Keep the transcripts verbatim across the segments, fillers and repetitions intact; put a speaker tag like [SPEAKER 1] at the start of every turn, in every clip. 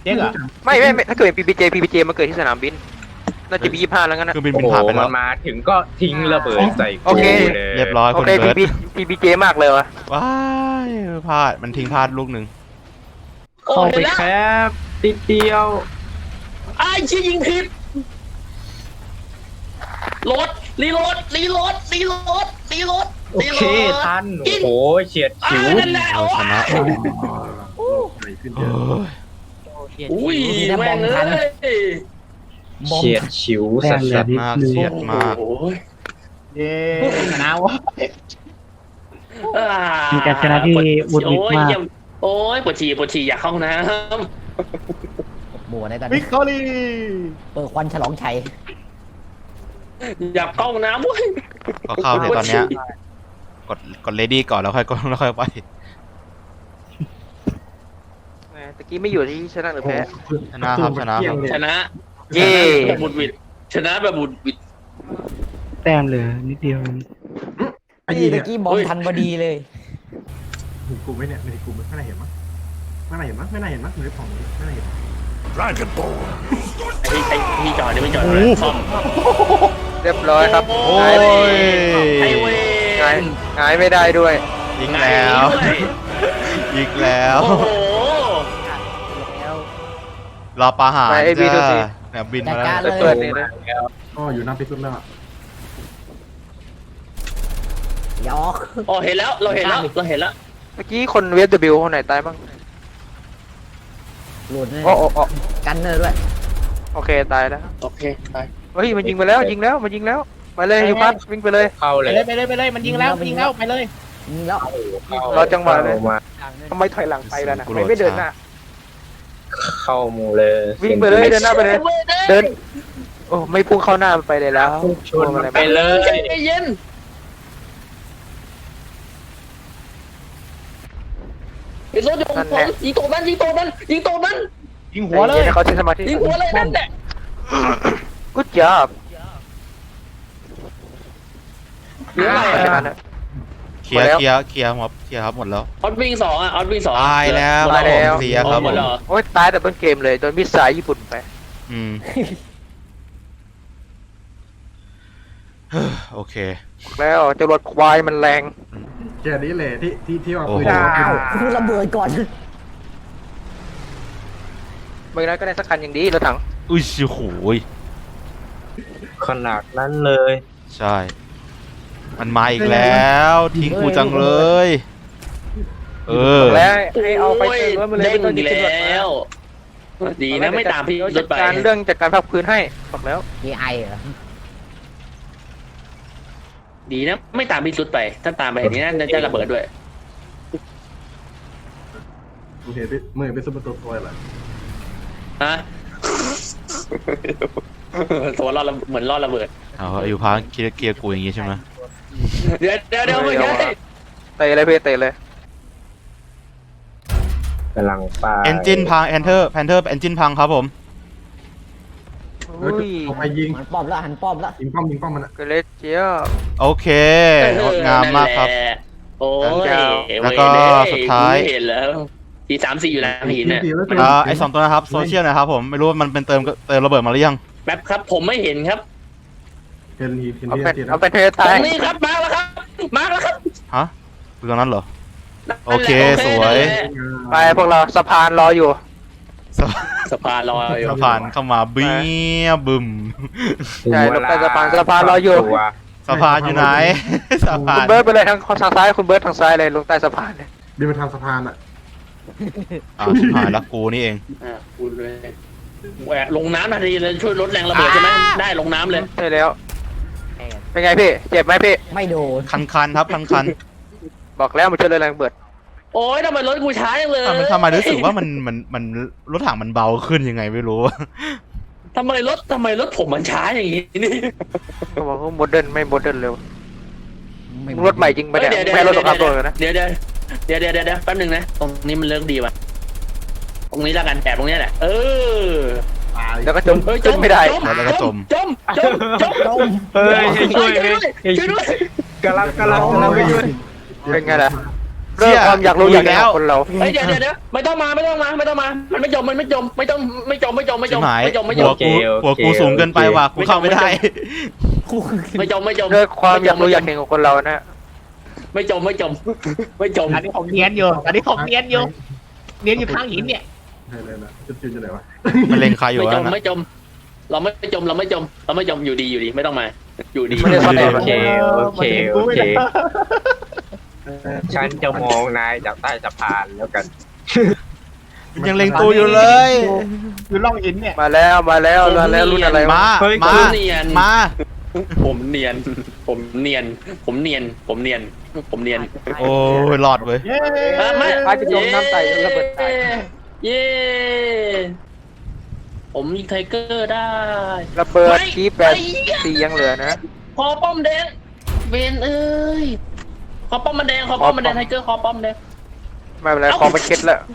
[SPEAKER 1] เจ๊กอะ
[SPEAKER 2] ไม่ไม่ไม่ถ้าเกิดเป็น พี พี เจ พี พี เจ มาเกิดที่สนามบินน่าจะมียี่สิบห้าแล้วงั้นนะ
[SPEAKER 3] คือบิน
[SPEAKER 4] โอ้
[SPEAKER 3] บิน
[SPEAKER 4] โห
[SPEAKER 3] ผ่านไป
[SPEAKER 4] มั
[SPEAKER 3] แล้ว
[SPEAKER 4] นมาถึงก็ทิ้งระเบิดใส่
[SPEAKER 2] โอเค
[SPEAKER 4] กูเลย
[SPEAKER 3] เรียบร้อย
[SPEAKER 2] โอ
[SPEAKER 3] คุณ
[SPEAKER 2] เค
[SPEAKER 3] เบิร์ต
[SPEAKER 2] พี พี เจ มากเลยวะ
[SPEAKER 3] ว้ายพลาดมันทิ้งพลาดลูกหนึ่ง
[SPEAKER 5] โอ้
[SPEAKER 4] เข้า
[SPEAKER 5] เห็
[SPEAKER 4] ไป
[SPEAKER 5] นแล้ว
[SPEAKER 4] แคบติดเดียว
[SPEAKER 5] ไอ้ชี้ยิงผิดรถรีโหลดรีโหลดรีโหลดรีโหลด
[SPEAKER 4] โอเคทันโอ้โหเฉียด
[SPEAKER 5] อ่า
[SPEAKER 4] ฉิว
[SPEAKER 5] นั่นแหละ
[SPEAKER 3] เราชนะ
[SPEAKER 1] โอ้ยขึ้นเย
[SPEAKER 3] เอ
[SPEAKER 1] อะ
[SPEAKER 3] อ
[SPEAKER 5] อุ้ยแม่งเอ้ย
[SPEAKER 4] เฉียดฉิวสัส
[SPEAKER 3] เฉียดมากเฉียดมาก
[SPEAKER 5] โอ้ย
[SPEAKER 1] เย้ชนะวะ
[SPEAKER 5] อ่
[SPEAKER 6] มีการชนะที่วุฒิ
[SPEAKER 5] โอ้ย
[SPEAKER 6] มาก
[SPEAKER 5] เยี่ยมโอ้ยปวดฉี่ปวดฉี่อยากเข้าห้องน้
[SPEAKER 7] บัวในตอน
[SPEAKER 1] วิ
[SPEAKER 7] นี้
[SPEAKER 1] กตอรี่
[SPEAKER 7] เปิดควันฉลองชัย
[SPEAKER 5] ำอยากเข้าห้องน้ำเว้ย
[SPEAKER 3] ก็เข้าในตอนเนี้ยกดกดเลดี้ก่อนแล้วค่อยกดแล้วค่อยไป
[SPEAKER 2] แหมตะกี้ไม่อยู่ที่ชนะหรือแพ้
[SPEAKER 3] ชนะครับชนะครับ
[SPEAKER 5] ชนะ
[SPEAKER 2] เย้
[SPEAKER 5] แบบบุดหวิดชนะแบบบุดหวิด
[SPEAKER 6] แต้มเหลือนิดเดียว
[SPEAKER 1] ไอ้
[SPEAKER 7] นี่
[SPEAKER 1] ยี่
[SPEAKER 7] ตะ
[SPEAKER 1] เนี่ย
[SPEAKER 7] กี้บอลทันพอดีเลย
[SPEAKER 1] เห็นกูไหมเนี่ยไม่เห็นกูไหมไม่น่าเห็นมั้งไม่น่าเห็นมั้งไม่น่าเห็นมั้งมือของมึงไม่น่าเห็น
[SPEAKER 5] ไอ้ไอ้พี่จอดนี่ไม่จอดเลยซ่อม
[SPEAKER 2] เรียบร้อยครับ
[SPEAKER 5] โอ้
[SPEAKER 2] หาย
[SPEAKER 5] ยไอ้เว
[SPEAKER 2] หาย
[SPEAKER 5] น
[SPEAKER 2] หายไม่ได้ด้วย
[SPEAKER 3] ยิงแล้ว
[SPEAKER 5] ด้วย
[SPEAKER 3] ยิงแล้ว
[SPEAKER 5] โอ้โห
[SPEAKER 7] แล้ว
[SPEAKER 3] รอปลาหาร
[SPEAKER 2] ไปไอ้บีดูสิ
[SPEAKER 3] จ้าเนี่ยบินมา
[SPEAKER 7] จัด
[SPEAKER 3] แล้ว
[SPEAKER 7] การ
[SPEAKER 2] เปิดนี่นะ
[SPEAKER 1] อ๋ออยู่น้ำพิษแล้ว
[SPEAKER 7] หยอก
[SPEAKER 5] อ๋อเห็นแล้วเราเห็นแล้วเราเห็นแล้ว
[SPEAKER 2] เมื่อกี้คนเวฟ W คนไหนตายบ้าง
[SPEAKER 7] หลุดเลย
[SPEAKER 2] โอ้โอ้โอ้
[SPEAKER 7] กันเนอร์ด้วย
[SPEAKER 2] โอเคตายแล้ว
[SPEAKER 5] โอเคไป
[SPEAKER 2] เฮ้ยมันยิงไปแล้วยิงแล้วมันยิงแล้วไปเลยอยู่พัดวิ่งไปเลย
[SPEAKER 4] เข้า
[SPEAKER 1] ไป
[SPEAKER 4] เลย
[SPEAKER 1] เลยไปเลยไปเลยมันยิงแล้วยิงแล้วไปเลย
[SPEAKER 7] ยิงแล้ว
[SPEAKER 2] รอจังหวะเลย
[SPEAKER 4] มา
[SPEAKER 2] ทำไมถอยหลังไปแล้วนะไม่ไม่เดินหน้า
[SPEAKER 4] เข้าหมูเลย
[SPEAKER 2] วิ่งไปเลยเดินหน้าไปเลย เดินโอ้ไม่พุ่งเข้าหน้าไปเลยแล้ว
[SPEAKER 4] ชนมันไปเลย
[SPEAKER 5] ใจเย็นไอ้รถอยู่ผมยิงตรงนั้นยิงตรงนั้นยิงตรงนั้น
[SPEAKER 1] ยิงหัวเลย
[SPEAKER 2] เขาใช้สมาธิ
[SPEAKER 5] ยิงหัวเลยนั่นแหละ
[SPEAKER 2] กูจับ
[SPEAKER 5] เหลืออะไร
[SPEAKER 2] เพราะฉะ
[SPEAKER 5] อ่ะ
[SPEAKER 2] นั้นนะ
[SPEAKER 3] เคลียร์เคลียร์เคลียร์หมดเคลียร์ครับหมดแล้ว
[SPEAKER 5] ออสวิ่งสองอ่ะออสวิ่งสอง
[SPEAKER 3] ตายแล้ว
[SPEAKER 5] หมด
[SPEAKER 3] ตายแล้วเสียครับ
[SPEAKER 5] หมดแล้วเหรอ
[SPEAKER 2] โอ้ยตายแต่ต้นเกมเลยโดนมิสไซล์ญี่ปุ่นไป
[SPEAKER 3] อืม โอเค
[SPEAKER 2] แล้วจรวดควายมันแรง
[SPEAKER 1] แค่นี้เลยที่ที่ที่ว่า
[SPEAKER 3] โอ้โห
[SPEAKER 1] ปืน
[SPEAKER 7] อ้าวคุณระเบิดก่อน
[SPEAKER 2] ไม่งั้นก็ได้สักคันอย่างดีรถถัง
[SPEAKER 3] อุ้ยโอ้โหย
[SPEAKER 4] ขนาดนั้นเลย
[SPEAKER 3] ใช่ มันมาอีกแล้ว ทิ้งกูจังเลย เออ
[SPEAKER 2] แล้วให้เอาไปเติมรถมาเลย
[SPEAKER 5] เด้
[SPEAKER 2] ไม่
[SPEAKER 5] ง
[SPEAKER 2] ต้องยึ
[SPEAKER 5] อี
[SPEAKER 2] ด
[SPEAKER 5] ก
[SPEAKER 2] จรวด
[SPEAKER 5] แล้
[SPEAKER 2] มาว
[SPEAKER 5] ดีนะไม่ตามพี่ร
[SPEAKER 2] จั
[SPEAKER 5] ถ
[SPEAKER 2] ด
[SPEAKER 5] ไป
[SPEAKER 2] การเรื่องจัดการภาคพื้นให้บอกแล้ว
[SPEAKER 7] เอไอเหรอ
[SPEAKER 5] ดีนะไม่ตามพี่รุดไป ถ้าตามไปเห็นนี้น่าจะระเบิดด้วย
[SPEAKER 1] มึงเห็นพี่มึงเห็นเป็นซุปเปอร์ตัวตัวอะไร
[SPEAKER 5] ฮะ ตัวรอดระเหมือนรอดระเบิด
[SPEAKER 3] เอาอยู่พังเกียร์เกียร์กูอย่างงี้ใช่ไหม
[SPEAKER 5] เดี๋ยวเดี๋ยวเดี๋ยวไม่ใช่
[SPEAKER 2] เตะเลยเพื่อเตะเลย
[SPEAKER 4] กำลังไป
[SPEAKER 3] เอนจินพังแอนเทอร์แพนเทอร์เอนจินพังครับผม
[SPEAKER 1] แล้ว
[SPEAKER 2] อุ้ย
[SPEAKER 1] เอาไปยิง
[SPEAKER 7] หันป้อมแล้วหันป้อมแล้ว
[SPEAKER 1] ยิงป้อมยิงป้อมมันอะ
[SPEAKER 2] เกเรเจียบ
[SPEAKER 3] โอเคงดงามมากครับ
[SPEAKER 5] โอ้ย
[SPEAKER 3] แล้วก็สุดท้าย
[SPEAKER 5] เห็นแล้วทีสามสี่อยู่แล้วหินเนี่ย
[SPEAKER 3] อ่าไอสองตัวนะครับโซเชียลนะครับผมไม่รู้ว่ามันเป็นเติมเติมระเบิดมาหรือยัง
[SPEAKER 5] แป๊บครับผมไม่เห็นครับ
[SPEAKER 1] เห็นเห็น
[SPEAKER 2] เอา
[SPEAKER 1] เห็น
[SPEAKER 2] เป็น
[SPEAKER 1] เห็น
[SPEAKER 2] เอาเป็นเท
[SPEAKER 5] ตร
[SPEAKER 2] ตาย
[SPEAKER 5] งนี้ครับมาแล้วครับมาแล้วครับ
[SPEAKER 3] ฮะคือตรงนั้นเหรอ โอเคสวย
[SPEAKER 2] ไปพวกเราสะพานรออยู่
[SPEAKER 3] สะ
[SPEAKER 5] สะพานลอยอยู่
[SPEAKER 3] สะพานเข้ามาเบี้ยบึม
[SPEAKER 2] ใช่ลงใต้สะพานสะพานรออยู่
[SPEAKER 4] ตัว
[SPEAKER 3] สะพานอยู่ไหนสะพา
[SPEAKER 2] คุณ
[SPEAKER 3] น
[SPEAKER 2] เบิร์ดไปเลยทางทางซ้ายคุณเบิร์ดทางซ้ายเลยลงใต้สะพานเลย
[SPEAKER 1] บินไปทางสะพานอะ
[SPEAKER 3] อ่าวชิบหายแล้วกูนี่เอง
[SPEAKER 5] อ่าคุณเลยแหวะลงน้ำทันทีเลยช่วยลดแรงระเบิดใช่ไหมได้ลงน้ำเลย
[SPEAKER 2] ใช่แล้ว เป็นไงพี่เจ็บไหมพี่
[SPEAKER 7] ไม่โดน
[SPEAKER 3] คันคันๆครับคันคัน
[SPEAKER 2] บอกแล้วมันช่วยเลยแรงระเบิด
[SPEAKER 5] โอ้ยทำไมรถกูช้าจังเลย
[SPEAKER 3] ทำไมทำไมรู้สึกว่ามันมันมันรถถังมันเบาขึ้นยังไงไม่รู้
[SPEAKER 5] ทำไมรถทำไมรถผมมันช้าอย่างนี้นี่
[SPEAKER 2] เขาบอกว่าโมเดิร์นไม่โมเดิร์นเร็ว
[SPEAKER 7] ไม่
[SPEAKER 2] รถใหม่จริงปะเนี่ยไม่รถสงครามโลกเลยนะ
[SPEAKER 5] เดี๋ยวเดี๋ยวเดี๋ยวเดี๋ยวเดี๋ยวแป๊บนึงนะตรงนี้มันเลิกดีว่ะตรงนี้แล้วกันแอบตรงนี้แหละเออ
[SPEAKER 1] ตาย
[SPEAKER 2] แล้วก็จม
[SPEAKER 5] เฮ้ย
[SPEAKER 2] จมไม่ได้
[SPEAKER 3] แล้วก็จม
[SPEAKER 5] จมจมจม
[SPEAKER 7] จม
[SPEAKER 4] เฮ้ยให้ช่วย
[SPEAKER 5] ช่วย
[SPEAKER 4] ไหม
[SPEAKER 5] ด้วยช่วยด้วย
[SPEAKER 4] กำลังกำลังกำลังไปช่วย
[SPEAKER 2] เป็นไงล่ะเรื่องความอยากรู้อยากเห็นของคนเรา
[SPEAKER 5] เฮ้ยเดี๋ยวเดี๋ยวเดี๋ยวไม่ต้องมาไม่ต้องมาไม่ต้องมามันไม่จมมันไม่จมไม่ต้องไม่จมไม่จมไม่จ
[SPEAKER 3] ชิบ
[SPEAKER 5] ม
[SPEAKER 3] หาย
[SPEAKER 5] ไม่จมไม่จ
[SPEAKER 3] หั
[SPEAKER 5] ม
[SPEAKER 3] วกูหัวกูสูงเกินไปว่ะกูเข้าไม่ได้
[SPEAKER 5] ไม่จมไม่จม
[SPEAKER 2] เรื่องความอยากรู้อยากเห็นของคนเรานะ
[SPEAKER 5] ไม่จมไม่จมไม่จม
[SPEAKER 6] อันนี้ผมเนียนอยู่อันนี้ผมเนียนอยู่เนียนอยู่ข้างหินเนี่ย
[SPEAKER 1] ใช่เลยนะจุดจุดจะไหนวะ
[SPEAKER 3] มันเล็งใครอยู่
[SPEAKER 5] ไม่จ
[SPEAKER 3] วะ
[SPEAKER 5] ม
[SPEAKER 3] นะ
[SPEAKER 5] ไม่จม เราไม่จมเราไม่จมเราไม่จมอยู่ดีอยู่ดีไม่ต้องมา อยู่ดี
[SPEAKER 2] ไม่ได้ซ่อนแอบ
[SPEAKER 4] โอเคโอเคโอเคฉันจะมองนายจากใต้สะพานแล้วกัน
[SPEAKER 3] มันยังเล็งกูอยู่เลย
[SPEAKER 6] อยู่ร่องหินเนี่ย
[SPEAKER 2] มาแล้วมาแล้วมาแล้วรุ่นอะไรวะ
[SPEAKER 3] มา
[SPEAKER 4] เฮ้ย
[SPEAKER 3] มา
[SPEAKER 5] ผมเนียน
[SPEAKER 3] มา
[SPEAKER 5] ผมเนียน ผมเนียน ผมเนียน ผมเนียน ผมเนียน
[SPEAKER 3] โอ้ยหลอดเว้ย
[SPEAKER 6] เย้
[SPEAKER 5] เออไม่
[SPEAKER 2] พาจะจมน้ำไตจนระเบิดตาย
[SPEAKER 5] เย้ผมยิงไทเกอร์ได้
[SPEAKER 2] ระเบิด
[SPEAKER 5] ไม่
[SPEAKER 2] ทีแปด
[SPEAKER 5] ไอ้เหี้ย
[SPEAKER 2] สี่ยังเหลือนะ
[SPEAKER 5] คอป้อมแดงเวนเอ้ยคอป้อมมันแดงคอป้อมมันแดงไทเกอร์คอป้อมแดง
[SPEAKER 2] ไม่เป็นไรคอมันเคล็ดแล้ว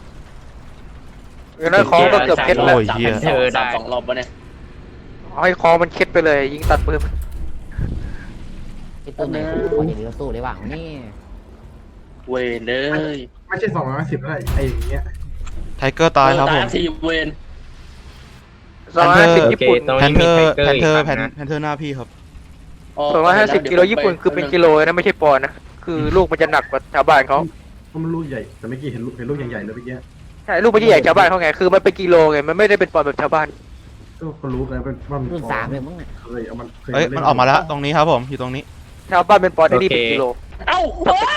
[SPEAKER 2] เออนั่นคอก็เกือบเคล็ดแล้ว
[SPEAKER 3] โอ้ยเหี้ย
[SPEAKER 5] สามสามสองรอบวะเนี่ย
[SPEAKER 2] เอาให้คอมันเคล็ดไปเลย ยิงตัดปืน
[SPEAKER 7] ไอ้ตัวไหนคนอย่างนี้ก็สู้ได้บ้างนี่
[SPEAKER 5] เวนเลย
[SPEAKER 1] ไม่ใช่สองร้อยสิบแล้วไอ้อย่างเงี้ย
[SPEAKER 3] ไทเกอร์ตายครับผม
[SPEAKER 5] ทีเวน
[SPEAKER 2] สองร้อยห้าสิบ
[SPEAKER 4] โอ
[SPEAKER 2] ญี่
[SPEAKER 4] เค
[SPEAKER 2] ปุ่น
[SPEAKER 4] ตรง
[SPEAKER 3] แพน
[SPEAKER 4] นี้
[SPEAKER 3] เท
[SPEAKER 4] มี
[SPEAKER 3] อ
[SPEAKER 4] ไท
[SPEAKER 3] ร์
[SPEAKER 4] เกอ
[SPEAKER 3] แพ
[SPEAKER 4] ร์
[SPEAKER 3] น
[SPEAKER 4] อี
[SPEAKER 3] เทอร์แพน
[SPEAKER 4] กนะ
[SPEAKER 3] แพนเทอร์หน้าพี่ครับ
[SPEAKER 2] สองร้อยห้าสิบกิโลญี่ปุ่นคือเป็นกิโลนะไม่ใช่ปอนด์นะ คือลูกมันจะหนักกว่าชาวบ้านเขา
[SPEAKER 1] เพราะมันลูกใหญ่แต่เมื่อกี้เห็นลูกเห็นลูกใหญ่ๆเลยเมื่อกี้
[SPEAKER 2] ใช่ลูกมันจะใหญ่ชาวบ้านเขาไง คือมันเป็นกิโลไง มันไม่ได้เป็นปอนด์แบบชาวบ้าน
[SPEAKER 1] ก็เขารู้กันเป็นว่ามัน
[SPEAKER 7] รุ่นสามเลยมั้งเนี่ย
[SPEAKER 1] เคยเอามันเคย
[SPEAKER 3] เอ้ยมันออกมาแล้วตรงนี้ครับผมอยู่ตรงนี้
[SPEAKER 2] ชาวบ้านเป็นปอนด์ไอ้นี่เป็นกิโล
[SPEAKER 5] เอ้า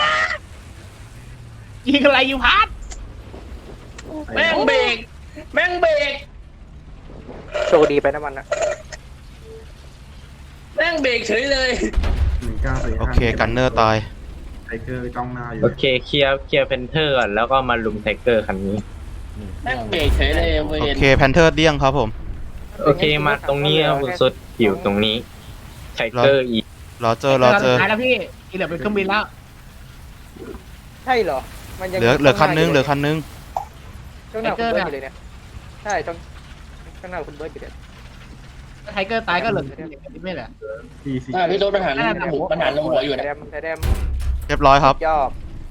[SPEAKER 6] ยิงอะไรอยู่พาร์ท
[SPEAKER 5] แม่งเบรกแม่งเบรก
[SPEAKER 2] โชคดีไปนะมันนะ
[SPEAKER 5] แม่งเบรกเฉยเลย
[SPEAKER 1] หนึ่งเก้าสี่
[SPEAKER 3] โอเคกันเนอร์ตาย
[SPEAKER 1] ไทเกอร์จ้องหน้าอยู่
[SPEAKER 4] โอเคเคลียร์เคลียร์เพนเทอร์ก่อนแล้วก็มาลุมไทเกอร์คันนี้
[SPEAKER 5] แม่งเบรกเฉยเลยเว
[SPEAKER 3] โอน เคแพนเทอร์เดี้ยงครับผม
[SPEAKER 4] โอเคมาตรงนี้นะคุณสุดอยู่ตรงนี้ไทเกอร์อีก
[SPEAKER 3] รอเจอรอเจอ
[SPEAKER 6] ตายแล้วพี่ที่เหลือเป็นเครื่องบินแล้ว
[SPEAKER 2] ใช่เหรอ มันยัง
[SPEAKER 3] เหลือเหลือคันนึงเหลือคันนึง
[SPEAKER 2] ช่วงหน้าคุณเบิร์ดอยู่เลยเนี่ย ใช่ช่วงข้างหน้าคุณเบิร์ดอยู่เลย
[SPEAKER 6] ไทเกอร์ตายก็เหลือนิดไม่เหลือ
[SPEAKER 1] สี่สี่
[SPEAKER 5] อ่าพี่โดนปัญหาหมูปัญหาลงหัวอยู่
[SPEAKER 2] ไท
[SPEAKER 5] นะ
[SPEAKER 2] แดมไทแดม
[SPEAKER 3] เรียบร้อยครับ
[SPEAKER 2] ยอบ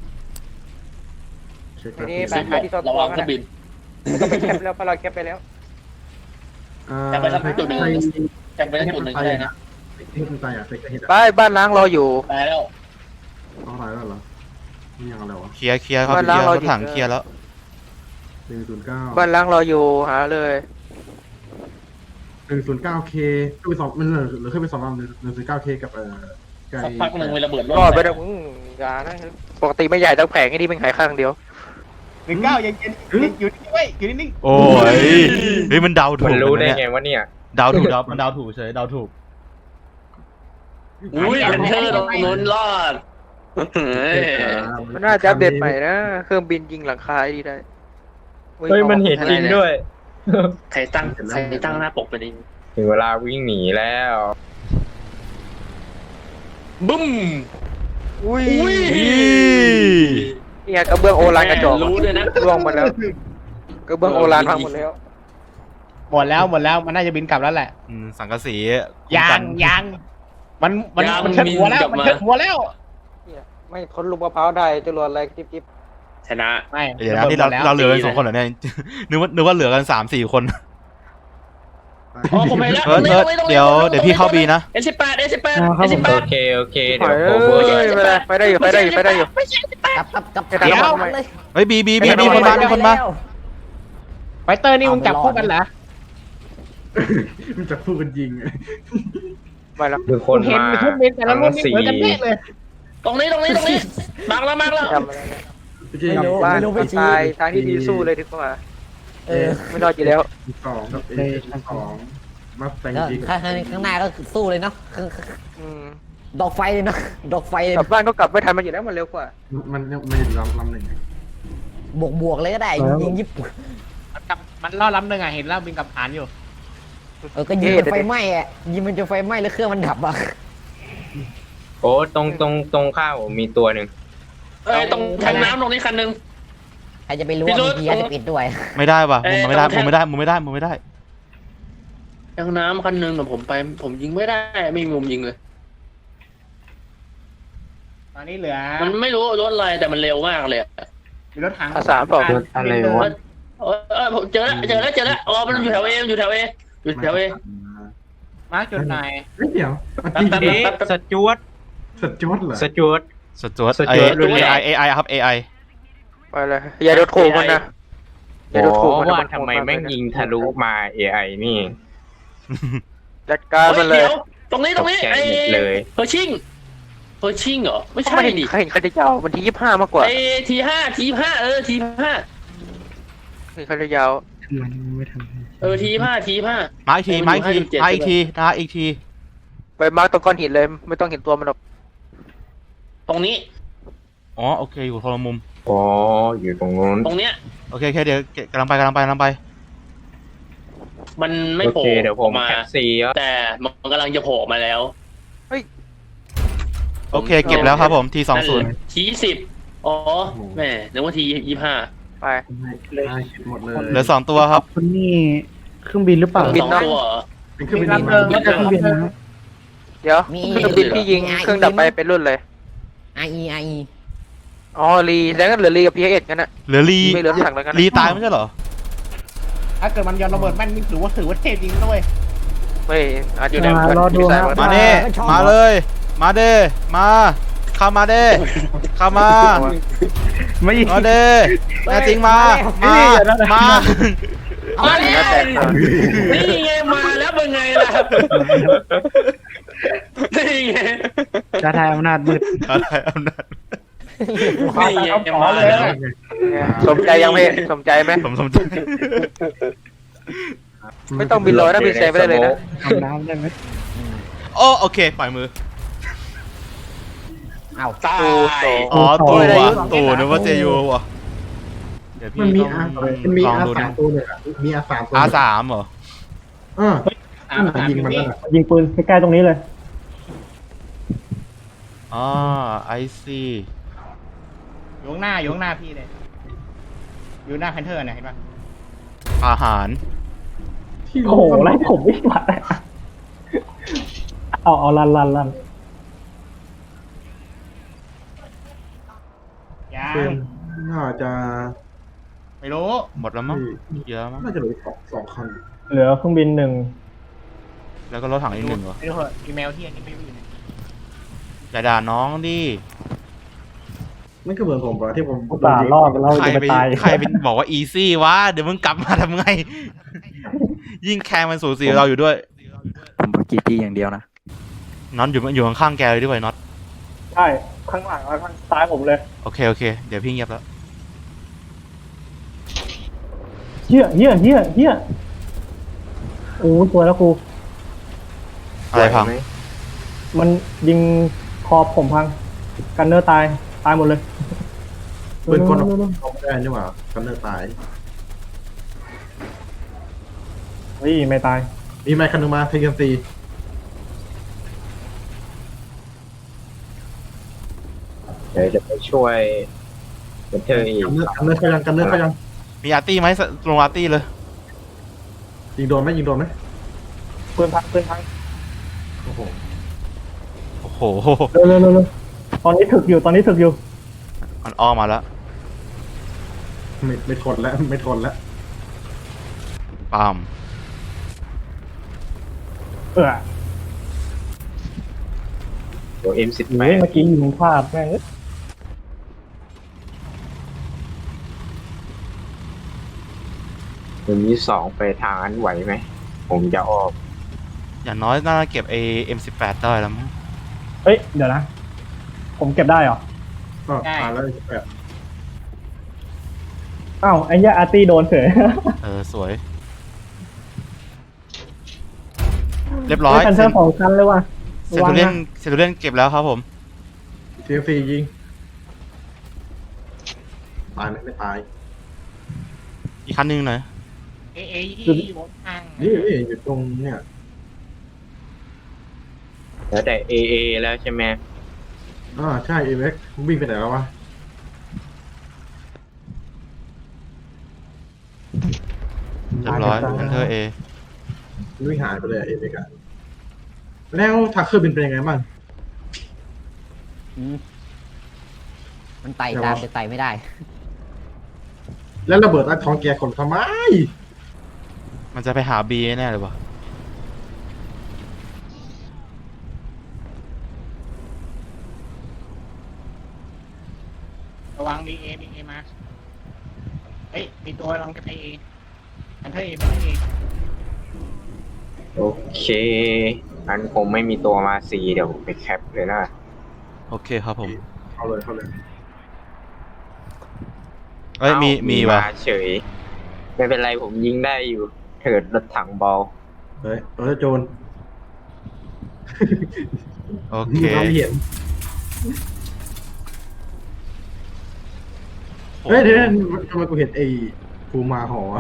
[SPEAKER 1] เช็ค
[SPEAKER 2] ทีนี้
[SPEAKER 1] ครับ
[SPEAKER 2] ไปหาที่ซ่อน
[SPEAKER 5] ระ
[SPEAKER 2] ตัว
[SPEAKER 5] วัง
[SPEAKER 2] กัน
[SPEAKER 5] เครื่องบิน
[SPEAKER 2] ต้องไปแคปแล้วเพราะเราแคปไปแล้ว
[SPEAKER 5] แต่ไปสักจุดหนึ่ง แจ็คไปได้จุดหนึ่งก็ได้นะ
[SPEAKER 1] เฮ็ดมันตายอ่ะไทเกอร์เฮ็ด
[SPEAKER 2] ไป
[SPEAKER 1] อ่ะ
[SPEAKER 2] บ้านล้างรออยู่
[SPEAKER 5] ตายแล้ว
[SPEAKER 1] เอาตายแล้วเหรอนี่ยังอะไรวะ
[SPEAKER 3] เคลียร์เคลียร์ครับ
[SPEAKER 2] บ้าน
[SPEAKER 3] เคลียร์
[SPEAKER 2] ล้างเรา
[SPEAKER 3] รถถัง
[SPEAKER 2] หยิบ
[SPEAKER 3] เคลียร์แล้ว
[SPEAKER 1] หนึ่งศูนย์เก้า
[SPEAKER 2] บ้านล้างรออยู่หาเลย
[SPEAKER 1] หนึ่งศูนย์เก้าเคก็ไปสองมันเหลือเหลือแค่ไปสองลำหนึ่งหนึ่งศูนย์เก้าเคกับเอ่อไก่
[SPEAKER 5] สักพักหนึ่งเวลาเบิดรถ
[SPEAKER 2] รอดไปแล้วอืมอย่านะปกติไม่ใหญ่ทั้งแผงไอ้นี่มันขายข้างเดียว
[SPEAKER 6] หนึ่งเก้ายังยังอยู่นิ่งไว้อยู่นิ่ง
[SPEAKER 3] โอ้ยเฮ้ยมันเดาถู
[SPEAKER 4] มั
[SPEAKER 3] ก
[SPEAKER 4] นรู้ได้
[SPEAKER 3] นะ
[SPEAKER 4] ไง
[SPEAKER 3] เนี่ย
[SPEAKER 4] ว่าเนี่ย
[SPEAKER 3] เดาถูกเดามันเดาถูกเฉยเดาถูก
[SPEAKER 5] อุ้ยเพนเทอร์ตรงนู้นรอดเฮ้ย
[SPEAKER 2] มันน่าจะอัปเดตใหม่นะเครื่องบินยิงหลังคาไอ้นี่ได้
[SPEAKER 4] เฮ้ยมันเห็นจริงด้วย
[SPEAKER 5] ใครตั้งใครตั้งหน้าปกไปดิ
[SPEAKER 4] ถึงเวลาวิ่งหนีแล้ว
[SPEAKER 5] บึ้ม
[SPEAKER 2] อุ้ย
[SPEAKER 5] อุ้ย
[SPEAKER 2] เนี่ยกระเบื้องโอรานกระจอก
[SPEAKER 5] รู้ด้วยนะ
[SPEAKER 2] ร่วงหมดแล้วกระเบื้องโอรานพังหมดแล้ว
[SPEAKER 6] ๆหมดแล้วหมดแล้วมันน่าจะบินกลับแล้วแหละ
[SPEAKER 3] อืมสังกะสี
[SPEAKER 6] ยางยางมันมันมันเชิดหัวแล้วมันเชิดหัวแล้ว
[SPEAKER 2] เนี่ยไม่ทนลูกมะพร้าวได้จรวดอะไรจิ๊บจิ๊บ
[SPEAKER 5] ชนะ
[SPEAKER 6] ไม่
[SPEAKER 3] เดี๋ยวนะที่เราเราเหลือกันสองคนเหรอเนี่ย นึกว่านึกว่าเหลือกันสามสี่คน
[SPEAKER 5] อ๋อผมไปแล้ว
[SPEAKER 3] เออเออเดี๋ยวเดี๋ยวพี่เข้าบีนะ
[SPEAKER 5] เอสิบแปดเอสิบแปดเอสิบแป
[SPEAKER 4] โอ
[SPEAKER 5] ด
[SPEAKER 4] เคโอเค
[SPEAKER 2] ไป
[SPEAKER 4] เดี๋ยว
[SPEAKER 2] เอ้
[SPEAKER 4] โคเวอร์
[SPEAKER 2] ยไปได้ไปได้อยู่ไปได้อยู่ไปได้อยู่
[SPEAKER 7] กลับกลับกลับ
[SPEAKER 2] ไปทำ
[SPEAKER 7] เดี๋ยว
[SPEAKER 2] ทำไม
[SPEAKER 7] เลย
[SPEAKER 3] เฮ้ยบีบีบีมีคนมามีคนมา
[SPEAKER 6] ไฟเตอร์นี่มึงจับคู่กันเหรอ
[SPEAKER 1] มันจะพูดกันยิงอะ
[SPEAKER 2] ไปแล้ว
[SPEAKER 4] คือคน
[SPEAKER 6] เห็น
[SPEAKER 4] มา
[SPEAKER 6] เครื่องบินแต่ละรุ่นนี่
[SPEAKER 4] สี่
[SPEAKER 6] เหมือนกันเป๊ะเลย
[SPEAKER 5] ตรงนี้ตรงนี้ตรงนี้มาแล้วมาแล้ว
[SPEAKER 2] จำอะไรนะ
[SPEAKER 1] เมื่อกี้
[SPEAKER 7] ไม่รู้
[SPEAKER 2] บ้าน
[SPEAKER 7] ไม่รู้ไม่ชี้
[SPEAKER 2] ตายทางที่ดีสู้เลยดีกว่า
[SPEAKER 7] เออ
[SPEAKER 2] ไม่รอดอยู่แล้ว
[SPEAKER 1] สองกับเอสองมาแตง
[SPEAKER 7] แล้ว
[SPEAKER 1] ยิง
[SPEAKER 7] ข้างข้างหน้าก็คือสู้เลยเนาะข้าง
[SPEAKER 2] อืม
[SPEAKER 7] ดอกไฟเลยเนาะดอกไฟเลย
[SPEAKER 2] กลับบ้านก็กลับไม่ทันมันอยู่แล้วมันเร็วกว่า
[SPEAKER 1] มันมันอยู่ลำลำหนึ่ง
[SPEAKER 7] บวกบวกเลยก็ได้ยิงญี่ปุ่น
[SPEAKER 6] มันกลับมันล่อล้ำหนึ่งอ่ะเห็นแล้วบินกับฐานอยู่
[SPEAKER 7] เออก็ยิงมันไฟไหม้อะยิงมันจะไฟไหม้แล้วเครื่องมันดับอ่ะ
[SPEAKER 4] โอ้ตรงตรงตรงข้าวผมมีตัวหนึ่ง
[SPEAKER 5] เอ้ยตรงแทงน้ำตรงนี้คันหนึ่ง
[SPEAKER 7] ใครจะไปรู้ว่ามียาจะปิดด้วย
[SPEAKER 3] ไม่ได้ว่ะ
[SPEAKER 5] เอ้ย
[SPEAKER 3] มุมไม่ได้
[SPEAKER 5] เอาแค่
[SPEAKER 3] มุมไม่ได้มุมไม่ได้มุมไม่ได้
[SPEAKER 5] แทงน้ำคันหนึ่งแต่ผมไปผมยิงไม่ได้ไม่มีมุมยิงเลย
[SPEAKER 6] ตอนนี้เหลือ
[SPEAKER 5] มันไม่รู้รถอะไรแต่มันเร็วมากเลย
[SPEAKER 6] มีรถถัง
[SPEAKER 2] อาสามเปล่า
[SPEAKER 4] อะไรวะ
[SPEAKER 5] เออเออผมเจอแล้วเจอแล้วเจอแล้วอ๋อมันอยู่แถวเออยู่แถวเออยู่แถวเอ
[SPEAKER 6] มาร์กจุดไหน
[SPEAKER 1] เฮ้ยเดี๋ยวเมื่อกี้
[SPEAKER 5] แป๊บ
[SPEAKER 4] เอ๊ะสจวต
[SPEAKER 1] สจวตเหรอ
[SPEAKER 4] สจวต
[SPEAKER 3] สจวต
[SPEAKER 4] ส
[SPEAKER 3] ไอ
[SPEAKER 4] จวต
[SPEAKER 3] เอไอเอไอครับเอไอ
[SPEAKER 2] ไปเลยอย่าโดนโขกมันนะอย่าโดนโขกมันนะ
[SPEAKER 4] ว่า
[SPEAKER 2] มันโหด
[SPEAKER 4] ทำไม
[SPEAKER 2] าก
[SPEAKER 4] แม่งยิงทะลุมา เอ ไอ นี่
[SPEAKER 2] จัดการมันเลย
[SPEAKER 5] เดี๋ยวตรงนี้ตรงนี้
[SPEAKER 4] ตกใจ
[SPEAKER 5] ไอ้
[SPEAKER 4] หมดเลย
[SPEAKER 5] เฮอร์ชิงเฮอร์ชิงเหรอไม่ใช่
[SPEAKER 2] ไม่เห็น
[SPEAKER 5] ดิ
[SPEAKER 2] เห็นใครจะยาวมันที่ยี่สิบห้ามากกว่า
[SPEAKER 5] ไอ้ทีห้าทีห้าเออทีห้า
[SPEAKER 2] เห็นใครจะยาว
[SPEAKER 5] เออทีห้าทีห้า
[SPEAKER 3] มาอีกทีมาอีกทีมาอีกทีนะอีกที
[SPEAKER 2] ไปมาร์กตรงก้อนหินเลยไม่ต้องเห็นตัวมันหรอก
[SPEAKER 5] ตรงนี้
[SPEAKER 3] อ๋อโอเคอยู่คนละมุม
[SPEAKER 4] อ๋อ อยู่ตรงนู้น
[SPEAKER 5] ตรงเนี้ย
[SPEAKER 3] โอเคโอเคเดี๋ยวกำลังไปกำลังไปกำลังไป
[SPEAKER 5] มันไม่
[SPEAKER 4] โอ
[SPEAKER 5] โผล่
[SPEAKER 4] เคเดี๋ยวผม
[SPEAKER 5] มา
[SPEAKER 4] แคปซีแล้ว
[SPEAKER 5] แต่มันกำลังจะโผล่มาแล้ว
[SPEAKER 3] โอเคเก็บแล้วครับผมทีสองศูนย์
[SPEAKER 5] ทีสิบอ๋อแม่นึกว่าทียี่ห้า
[SPEAKER 2] ไป
[SPEAKER 1] ได้หมดเลย
[SPEAKER 3] เหลือสองตัวครับ
[SPEAKER 8] คนนี่เครื่องบินหรือเปล่า
[SPEAKER 2] บิน
[SPEAKER 5] สอง
[SPEAKER 2] นะ
[SPEAKER 5] ตัวเหรอ
[SPEAKER 1] เป็นเครื่องบิน
[SPEAKER 6] มี
[SPEAKER 1] มา
[SPEAKER 6] ลำเดิม
[SPEAKER 8] ไม่ใช่เครื่องบินนะ
[SPEAKER 2] เดี๋ยว
[SPEAKER 7] มี
[SPEAKER 2] เครื่องบินที่ยิงเครื่องดับไปเป็นรุ่นเลย
[SPEAKER 7] ไอไอไอ
[SPEAKER 2] อ๋อรีแล้วก็เหลือรีกับพีเอสกันนะ
[SPEAKER 3] เหลือลี
[SPEAKER 2] ไม่เหลือถังแล้วกันนะ
[SPEAKER 3] ลีตายไม่ใช่เหรอ
[SPEAKER 6] ถ้าเกิดมันยอนระเบิดแม่นนี่ถือว่าถือว่าเทพจริงด้วย
[SPEAKER 2] ไม่อาจจะ
[SPEAKER 8] อ่ารอดู
[SPEAKER 2] สาย
[SPEAKER 8] ครับ
[SPEAKER 2] มัน
[SPEAKER 3] มาเด้มาเลย มาเด้มาเข้ามาเด้เข้ามา
[SPEAKER 8] ไม่
[SPEAKER 3] มาเด้แน่จริงมามามา
[SPEAKER 5] มาแล้ว
[SPEAKER 2] แตกต่าง
[SPEAKER 5] นี่ไงมาแล้วเป็นไงล่ะนี่ไง
[SPEAKER 8] จะทายอำนาจมืด
[SPEAKER 3] อะไรอำนาจ
[SPEAKER 5] นี่ไงมาแล้ว
[SPEAKER 2] สมใจยังไม่สมใจไหม
[SPEAKER 3] สมสมใจ
[SPEAKER 2] ไม่ต้องบินลอยนะบินเซฟไปได้เลยนะ
[SPEAKER 8] ทำน้ำได้ไหม
[SPEAKER 3] โอ้โอเคปล่อยมือ
[SPEAKER 7] เอา
[SPEAKER 5] ตาย
[SPEAKER 3] อ๋อตัว
[SPEAKER 2] ได้อยู่
[SPEAKER 3] ตู่นึกว่าเจยูว่ะเดี๋ยว
[SPEAKER 1] มัน
[SPEAKER 3] พี่
[SPEAKER 1] มี
[SPEAKER 3] ต้
[SPEAKER 1] อา
[SPEAKER 3] อง
[SPEAKER 1] มันมี
[SPEAKER 3] ลอง
[SPEAKER 1] อา
[SPEAKER 3] ดู
[SPEAKER 1] สา
[SPEAKER 3] นะ
[SPEAKER 1] มตัวเลยอ่ะมีอาสามตัว
[SPEAKER 3] อาสามเหรอ
[SPEAKER 1] เออนั่นน่ะยิงมันนั่นน่ะ
[SPEAKER 8] ยิงปืนใกล้ๆตรงนี้เลย
[SPEAKER 3] อ๋อไอซี
[SPEAKER 6] อยู่ข้างหน้าอยู่ข้างหน้าพี่เลย อยู่หน้าแพนเทอร์นะเห็นปะ
[SPEAKER 3] อาหาร
[SPEAKER 1] ที่
[SPEAKER 8] โอ้โหไล่ผมไม่ไหวเอาเอาลันลันลัน
[SPEAKER 6] ยั
[SPEAKER 1] เป็น
[SPEAKER 6] ง
[SPEAKER 1] น่าจะ
[SPEAKER 6] ไม่รู้
[SPEAKER 3] หมดแล้วมั้งเยอะมั้ง
[SPEAKER 1] น่าจะเหลือสองสองคัน
[SPEAKER 8] เหลือเครื่องบินหนึ่ง
[SPEAKER 3] แล้วก็รถถังอีกหนึ่งเหรอ
[SPEAKER 6] ไม่รู้เหอะอีเมลที่อันนี้ไม่รู้อยู่ไหน
[SPEAKER 3] อย่าด่าน้องดิ
[SPEAKER 1] นั่นก็เหมือนผมปะที่ผม
[SPEAKER 8] อุตส่าห์รอดเรา
[SPEAKER 3] ใคร
[SPEAKER 8] จะ
[SPEAKER 3] ไป
[SPEAKER 8] ไปตาย
[SPEAKER 3] ใครเป็นบอกว่าอีซี่วะเดี๋ยวมึงกลับมาทำไง ยิ่งแคร์มันสูสีเราอยู่ด้วย
[SPEAKER 9] ผมบอกจีพีอย่างเดียวนะ
[SPEAKER 3] น็อตอยู่อยู่ข้างๆแกเลยด้วยน็อต
[SPEAKER 8] ใช่ข้างหลังแล้วข้างซ้ายผมเลย
[SPEAKER 3] โอเคโอเคเดี๋ยวพี่เงียบแล้ว
[SPEAKER 8] เฮียเฮียเฮียเฮียโอ้สวยแล้วครู
[SPEAKER 3] อะไรพัง
[SPEAKER 8] มันยิงคอผมพัง กันเนอร์ตาย ตายหมดเลย
[SPEAKER 1] ปืนกล
[SPEAKER 8] เร็วๆๆ
[SPEAKER 1] เอาไม่ได้นี่หว่ากันเนอร์ตาย
[SPEAKER 8] ๆเฮ้ยไม่ตาย
[SPEAKER 1] มีไมค์คันหนึงมาเทกันซี
[SPEAKER 4] เดี๋ยวจะไปช่วยเป็นเธออีก
[SPEAKER 1] กันเนอร์กันเนอร์เขายังกันเนอร์เขายัง
[SPEAKER 3] มีอาร์ตี้ไหมลงอาร์ตี้เลย
[SPEAKER 1] ยิงโดนไหมยิงโดนไหม
[SPEAKER 8] ปืนพังปืนพัง
[SPEAKER 1] โอ้โห
[SPEAKER 3] โอ้โห
[SPEAKER 8] เร็วเร็วเร็วเร็วตอนนี้ถึกอยู่ ตอนนี้ถึกอยู่
[SPEAKER 3] มันอ้อมมาแล้ว
[SPEAKER 1] ไม่ไม่ทนแล้วไม่ทนแล้ว
[SPEAKER 3] ปาม
[SPEAKER 8] เออ
[SPEAKER 4] เดี๋ยวเอ็มสิบแป
[SPEAKER 8] เฮ้ย
[SPEAKER 4] ด
[SPEAKER 8] เมื่อกี้ยิงพลาดแม่งเอ้ย
[SPEAKER 4] ผมมีสองไปทางนั้นไหวไหม ผมจะออก
[SPEAKER 3] อย่างน้อยน่าจะเก็บไอเอ็มสิบแปดได้แล้วมั้ง
[SPEAKER 8] เฮ้ย เดี๋ยวนะ ผมเก็บได้เหรอ
[SPEAKER 1] ก็ตายแล้วแบบ
[SPEAKER 8] อ้าวไอ้เหี้ยอาร์ตี้โดนเฉย
[SPEAKER 3] เออสวย เรียบร้อย
[SPEAKER 8] เฮ้ยคันเทอร์สองคันเลยว่ะ
[SPEAKER 3] เซนตูเลียนเซนตูเลียนเก็บแล้วครับผม
[SPEAKER 1] เทียซียิงตายไหมไม่ตาย
[SPEAKER 3] อีกคันหนึงหน่อย
[SPEAKER 6] เอเอที่อยู่ข้าง
[SPEAKER 1] นี่นี่อยู่ตรงเนี่ย
[SPEAKER 4] แล้วแต่เอเอแล้วใช่ไหม
[SPEAKER 1] อ่าใช่เอเว็กวิ่งไปไหนแล้ววะ
[SPEAKER 3] เรียบร้อยแพนเทอร์เอ
[SPEAKER 1] วิ่งหายไปเลยเอเว็กอะแล้วทักเครื่องบินเป็นยังไงบ้าง
[SPEAKER 7] มันไต่ตามแต่ไต่ไม่ได้
[SPEAKER 1] แล้วระเบิดใต้ท้องแกขนทำไม
[SPEAKER 3] มันจะไปหาบีแน่เลยวะ
[SPEAKER 6] ระวังดีเอดีเอมาเฮ้ยมีตัวลองกับไอเออันเธอเอไม่เอ
[SPEAKER 4] โอเคอันผมไม่มีตัวมาซีเดี๋ยวผมไปแคปเลยนะ
[SPEAKER 3] โอเคครับผม
[SPEAKER 1] เข้าเลยเข้าเลย
[SPEAKER 3] เอ้ยมีมีว่ะ
[SPEAKER 4] าเฉย ไม่เป็นไรผมยิงได้อยู่เถิดรถถังบอล
[SPEAKER 1] เฮ้ยเออโจร
[SPEAKER 3] โอเค
[SPEAKER 1] เราเห็นเฮ้ยเดี๋ยวทำไมกูเห็นไอ้ภูมาหอ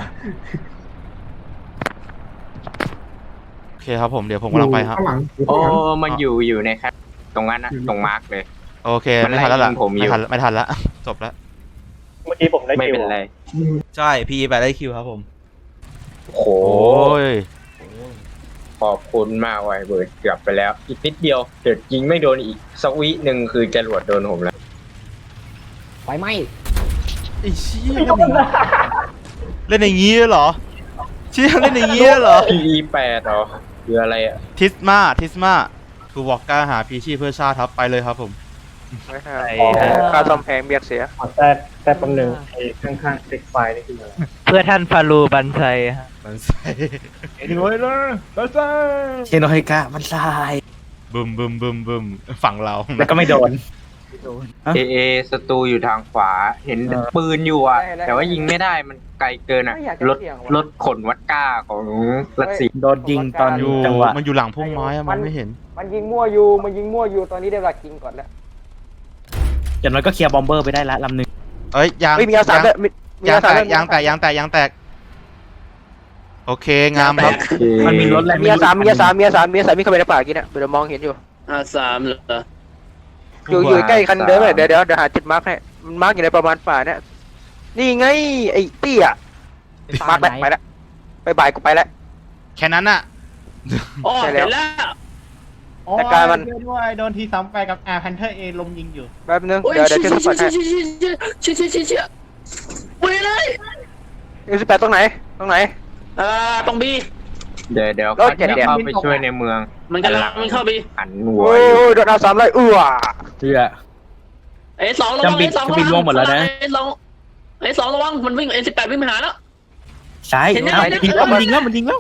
[SPEAKER 3] โอเคครับผมเดี๋ยวผมกำลังไปครับ
[SPEAKER 1] ข้างหลังอยู่
[SPEAKER 4] โอ้
[SPEAKER 1] ข้างหลัง
[SPEAKER 4] มันอยู่อยู่ในครับตรงนั้นนะตรงมาร์กเลย
[SPEAKER 3] โอเค
[SPEAKER 4] มัน
[SPEAKER 3] ไม่ทันแล้วล่ะ
[SPEAKER 4] ไล่ยิงผมอยู่
[SPEAKER 3] ไม่ทันไม่ทันแล้ว จบแล้ว
[SPEAKER 8] เมื่อกี้ผมได้
[SPEAKER 4] ไม่
[SPEAKER 8] คิว
[SPEAKER 4] เป็นไร
[SPEAKER 3] ใช่พีไปได้คิวครับผม
[SPEAKER 4] โอ้โห
[SPEAKER 3] โอ้ย
[SPEAKER 4] ขอบคุณมากไว้เบิร์ดเกือบไปแล้ว อีกนิดเดียวเดี๋ยวยิงไม่โดนอีกสักวิหนึ่งคือจรวดโดนผมแล้ว
[SPEAKER 7] ไฟไหม้
[SPEAKER 3] ไอ้เชี่ยเล่นอย่างงี้เหรอเชี่ยเล่นอย่างงี้เหรอ
[SPEAKER 4] พี อี แปดเหรอคืออะไรอ่ะ
[SPEAKER 3] ทิสมาทิสมาทูวอกก้าหาพีชีพเพื่อชาติครับไปเลยครับผม
[SPEAKER 2] ไม่ใช่ค่าซ่อมแพงเบียดเสีย
[SPEAKER 8] ขอแต่แต่ตำแหน่งไอ้ข้างๆเซ็กไฟนี่คืออะไร
[SPEAKER 2] เพื่อท่านฟารูบันไซฮะ
[SPEAKER 3] มันใส่
[SPEAKER 6] เอ็นด้วยเลยแล้วจ้า
[SPEAKER 9] เชโนไฮกะมันทราย
[SPEAKER 3] บึมบึมบึมบึมฝั่งเรา
[SPEAKER 6] แล้วก็ไม่โดน
[SPEAKER 4] เอเอศัตรูอยู่ทางขวาเห็นปืนอยู่อ่ะ แต่ว่ายิงไม่ได้มันไกลเกินอ่ะรถรถขนวัดก้าของรัสเซีย
[SPEAKER 6] โดนยิงตอน
[SPEAKER 3] อยู่
[SPEAKER 6] จังหวะ
[SPEAKER 3] มันอยู่หลังพุ่มไม้อะมันไม่เห็น
[SPEAKER 2] มันยิงมั่วอยู่มันยิงมั่วอยู่ตอนนี้ได้เวลายิงก่อนแล้ว
[SPEAKER 6] อย่างน้อยก็เคลียร์บอมเบอร์ไปได้ละลำหนึ่ง
[SPEAKER 3] เอ้ยยาง
[SPEAKER 2] ไม่มีอาสาด้วยมีมี
[SPEAKER 3] ยาง
[SPEAKER 2] อาสา
[SPEAKER 3] แต
[SPEAKER 2] ด้ว
[SPEAKER 3] กยางแตกยางแตกยางแตกโอเคงามครับ
[SPEAKER 6] มันมีรถแรง
[SPEAKER 2] มีอาสามีอาสามีอาสามีอาสามีเข้าไปในป่ากินอ่ะเดี๋ยวมองเห็นอยู่
[SPEAKER 5] อ่าสามเหรอ
[SPEAKER 2] อยู่อยู่ใกล้คันเดิมเลยเดี๋ยวเดี๋ยวเดี๋ยวหาจุดมาร์กให้มันมาร์กอยู่ในประมาณป่าเนี่ยนี่ไงไอ้เตี้ยมาร์กไปไปแล้วไปบ่ายกูไปแล้ว
[SPEAKER 3] แค่นั้นอะ
[SPEAKER 5] อ๋อ
[SPEAKER 2] ใช่แล้ว
[SPEAKER 5] เห็นแล้ว
[SPEAKER 2] แต่การมัน
[SPEAKER 6] ด้วยโดนทีสามไปกับอาร์พันเทอร์เอลมยิงอยู่
[SPEAKER 2] แป๊บนึง
[SPEAKER 5] โอ้ย
[SPEAKER 2] เดี๋ยวเดี๋ยว
[SPEAKER 5] เชี่
[SPEAKER 2] ช่วย
[SPEAKER 5] ย
[SPEAKER 2] สปอร์ตให้
[SPEAKER 5] เชี่ยเชี่ยเชี่ยเชี่ยเชี่ยเชี่ยเชี่ยไปเลย
[SPEAKER 2] เอ็มสิบแปดตรงไหนตรงไหน
[SPEAKER 5] อ่าตรงบี
[SPEAKER 4] เดี๋ยวเดี๋ยว
[SPEAKER 2] รถเจ็ด
[SPEAKER 4] จะ
[SPEAKER 2] เดี๋ยว
[SPEAKER 4] เข้าไปช่วยในเมือง
[SPEAKER 5] มันกำลังมันเข้าบี
[SPEAKER 4] หันหัว
[SPEAKER 2] โอ้
[SPEAKER 4] อยู่
[SPEAKER 2] ยโดนเอาสามเลยเอื้อ
[SPEAKER 6] เชื่อ
[SPEAKER 5] เอสองระวัง
[SPEAKER 6] จำบิ
[SPEAKER 5] เอน สอง
[SPEAKER 6] จำบินร่วงหมดแล้วนะ
[SPEAKER 5] เอสองเอสองระวังมันวิ่งเอสิบแปดวิ่งไปหาแล้ว
[SPEAKER 6] ใช่
[SPEAKER 5] เห็นไหม
[SPEAKER 6] เอายิงแล้วมันยิงแล้วมันยิงแล้ว